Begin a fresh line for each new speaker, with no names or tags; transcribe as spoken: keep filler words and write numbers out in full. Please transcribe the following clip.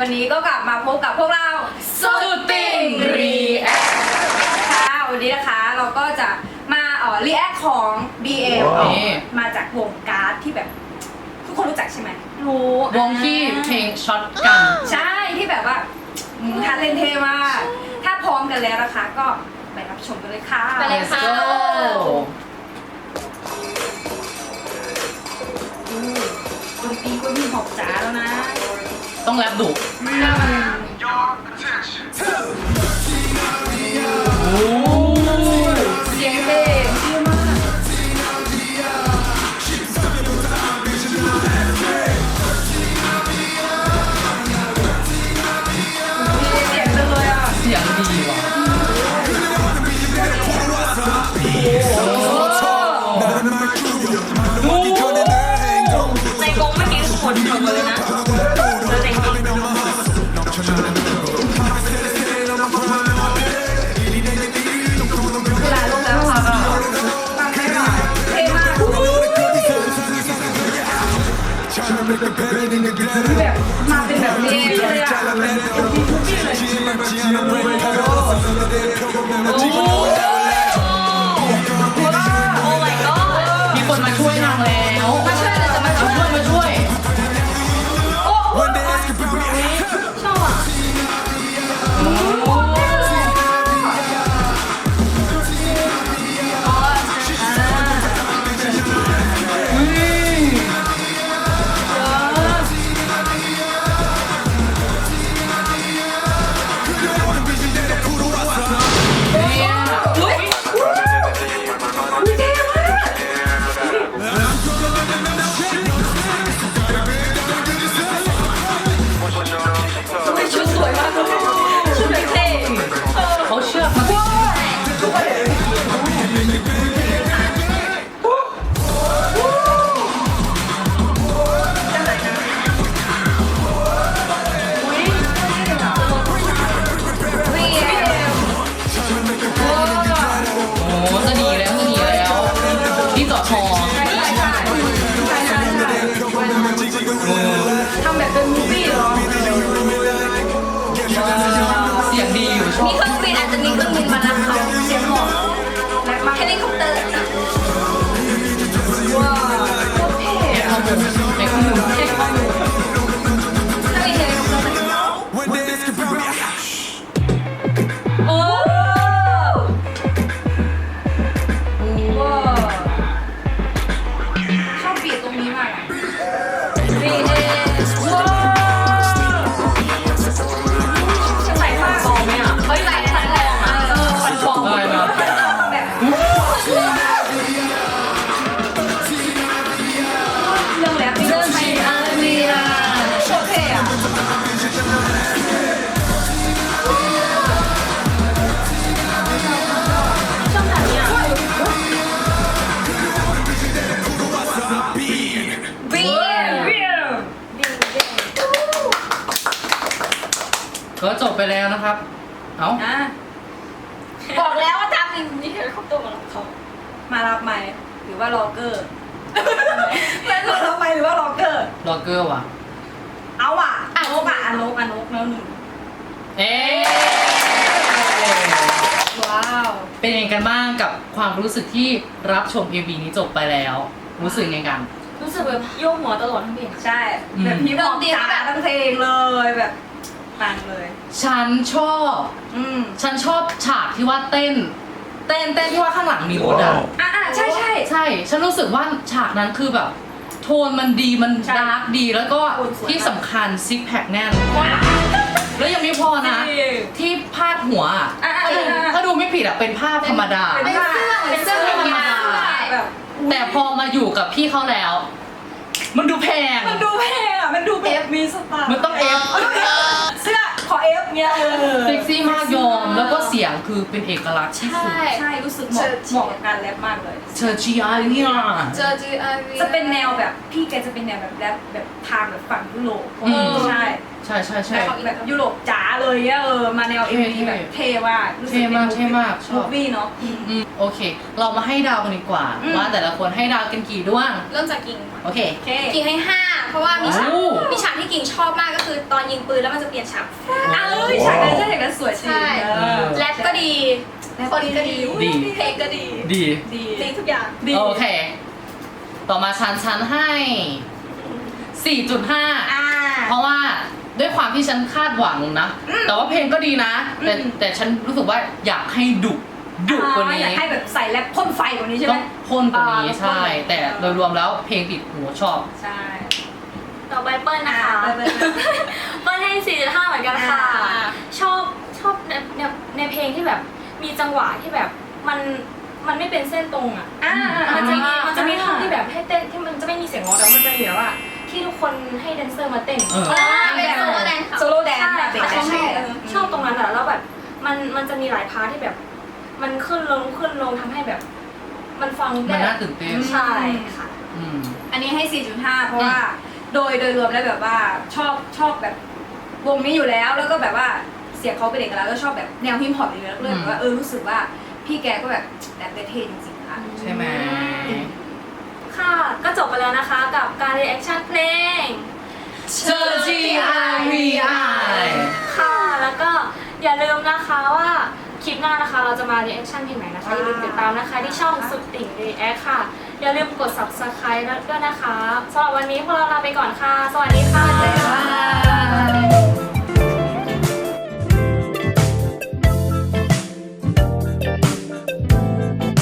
วันนี้ก็กลับมาพบกับพวกเราสุดติ่งรีแอคค่ะวันนี้นะคะเราก็จะมาเอ่อรีแอคของ บี เอ็ม มาจากวงการ์ดที่แบบทุกคนรู้จักใช่ไหมรู้
วงที่เพลงช็อตกัน
ใช่ที่แบบว่าท่าเล่นเท่มากถ้าพร้อมกันแล้วนะคะก็ไปรับชมกันเลยค่ะ
ไปเลยค่ะ
ดนตรีก็มีหอบจ๋าแล้วนะ
ต้องแรปดุโอ้
เสียงเพลงเท่มากเสียงจังเลยอ่ะ
เสียงดีว่ะ
ในกรงเมื่อกี้คนหมดเลยนะแล้วในกรง
เวลาลงแล้วค่ะก็ฟังได้หน่อยเท่มากแบบมาเป็นแบบนี้เลยอ่ะ
มีคนมาช่วยนางแล้ว
มาช่วยอะไรจะมาช่วย
มาช่วย
โอ้ชอบอ่ะ
เขาเชื่อมาโอ้จะดีแล้วจะดีแล้วที่ต่อชอ
ทำแบบเป็นมูฟวี่เหรอ
เสียงดีอยู่ชอบ
มีเครื่องบินอาจจะมีเครื่องบินมารับเขาเสียงหมอกเฮลิคอปเตอร์
ว้าวเท่
เอ็กข้อมูลเอ็กข้อมูลเอ็กข้อมูล
ถ้ามีเฮลิคอปเตอร์
โอ้ว้าวชอบบีทตรงนี้มากอ่ะบีเอสว้าวจะใส่ผ้าคอไหมอ่ะเฮ้ยใส่ใส่อะไรอ่ะเออฟันฟอง
อะไรนะ
แบบเรื่องแล้วเรื่องไทยอาเรียโคตรเท่อะช่องไหนอ่ะบีบี
ก็จบไปแล้วนะครับเอ้า
อ่ะ
บอกแล้วว่าทำอย่างนี้เฮลิคอปเตอร์มารับเขา
มารับไหมหรือว่าล็อกเกอร์มารับไหมหรือว่าล็อกเกอร์
ล็อกเกอร์ว่ะ
เอาอ่ะอนกอ่ะอนกอนกแล้วหนึ่ง
เอ๊ะ
ว้าว
เป็นยังไงกันบ้างกับความรู้สึกที่รับชม เอ็ม วี นี้จบไปแล้ว รู้สึกยังไงกัน
รู้สึกแบบโยกหัวตลอดทั้งเพลง
ใช่แบบพี่บอกจ๋าทั้งเพลงเลยแบบปังเลย
ฉันชอบ
อืม
ฉันชอบฉากที่ว่าเต้น เต้นเต้นที่ว่าข้างหลังมีรถอ่ะ
อ่ะอ่ะใช่ใช่
ใช่ ฉันรู้สึกว่าฉากนั้นคือแบบ โทนมันดีมัน
ใช่
ดาร์กดีแล้วก็
โทนสวย
ที่สำคัญซิกแพคแน่น แล้วยังไม่พอนะ
จริง
ที่พาดหัวอ่ะ
อ่ะอ่ะ
ถ้าดู
อ่ะ
ถ้าดูไม่ผิดอ่ะเป็นภาพธรรมดา
เป็นผ้า
เป็นเสื้อ
ธรรมดา
แบบ
แบบ
แต่พอมาอยู่กับพี่เขาแล้ว มันดูแพง
มันดูแพงอ่ะมันดูแบบมีสไตล์
มันต้องเอฟ
เสื้อขอเอฟเงี้ยเออ
เซ็กซี่มากยอม แล้วก็เสียงคือเป็นเอกลักษณ์ที่สุด
ใช่
ใช่รู้สึกเหมาะเหมาะกับการแรปมากเลย
เชอร์จีอาเนี่ย
เจอจีอาร์วี
จะเป็นแนวแบบพี่แกจะเป็นแนวแบบแรปแบบทางแบบฝั่งยุโรป
อืม
ใช่
ใช่ใช่ใช่
แบบแบบยุโรปจ๋าเลยอะเออมาแนวเอ็ม
เท่
วีแบบเท่มากรู้สึ
เท่มากเท่มากชอบ
มูฟวี่เนาะ
อืมโอเค เรามาให้ดาวกันดีกว่า
อืม
ว่าแต่ละคนให้ดาวกันกี่ดวง
เริ่มจากกิ่ง
โอเค
โอเค
กิ่งให้ห้าเพราะว่ามีฉาก
โอ้
มีฉากากที่กิ่งชอบมากก็คือตอนยิงปืนแล้วมันจะเปลี่ยนฉาก
อ้าวฉากนั้นใช่ฉากนั้นสวยจริง
ใช่
เออ
แรปก็ดีคนก็ดี
ดี
เพลงก็ดี
ดี
ดี
ดีทุกอย่าง
ดี
โอเค ต่อมาฉันฉันให้ สี่จุดห้า
อ่า
เพราะว่าด้วยความที่ฉันคาดหวังนะ แต่ว่าเพลงก็ดีนะ แต่
อืม
แต่ฉันรู้สึกว่าอยากให้ดุดุกว่า
อ่า
นี้
อยากให้แบบใส่แรปพ่นไฟกว่านี้ใช่ไห
ต้
ม
องพ่นกว่านี้
อ่า
ใช่
ต้องพ่น
แต่โดยรวมแล้วเพลงติดหูชอบ
ใช่
ต่อไปเปิ้ลนะคะ
อ่าเปิ้ล
เปิ้ลให้ สี่จุดห้า เหมือนกันค่ะ
อ่า
ชอบชอบในในในเพลงที่แบบมีจังหวะที่แบบมันมันไม่เป็นเส้นตรงอ่ะ
อ่า
มันจะมี
อ่า
มันจะมีท่อนที่แบบให้เต้นที่มันจะไม่มีเสียงร้องแต่มันจะมีแบบว่าที่ทุกคนให้แดนเซอร์มาเต้น
เออ
อ่า
เป็น
เป็น
โซ
โซ
โล่
โล่
แด
แด
น
น
ซ์
ซ์
โซโล่แดนซ์
ใช่
แบบเด็ก
แต่
แดนซ์
ชอบ
เออ
ชอบตรงนั้นอะแล้วแบบมันมันจะมีหลายพาร์ทที่แบบ มันขึ้นลงขึ้นลงทำให้แบบ มันฟัง
มัน
ได้
น่าตื่นเต้น
ใช่ค่ะ
อืม
อันนี้ให้ สี่จุดห้า เพราะว่าโดยโดยรวมแล้วแบบว่าชอบชอบแบบวงนี้อยู่แล้ว แล้วก็แบบว่าเสียงเขาเป็นเอกลักษณ์แล้วก็ชอบแบบแนวฮิปฮอปอยู่แล้วก็เลยแบบว่าเออรู้สึกว่าพี่แกก็แบบแบบเท่จริงๆค่ะ
ใช่ไหม
ค่ะ ก็จบไปแล้วนะคะกับการรีแอคชั่นเพลง
เชอร์จีไอวีไอ
ค่ะ แล้วก็อย่าลืมนะคะว่าคลิปหน้านะคะ เราจะมารีแอคชั่นเพลงไหนนะคะ อย่าลืมติดตามนะคะที่ช่องสุดติ่งรีแอคค่ะ อย่าลืมกด ซับสไครบ์ ด้วยนะคะสำหรับวันนี้พวกเราลาไปก่อนค่ะ สวัสดีค่ะ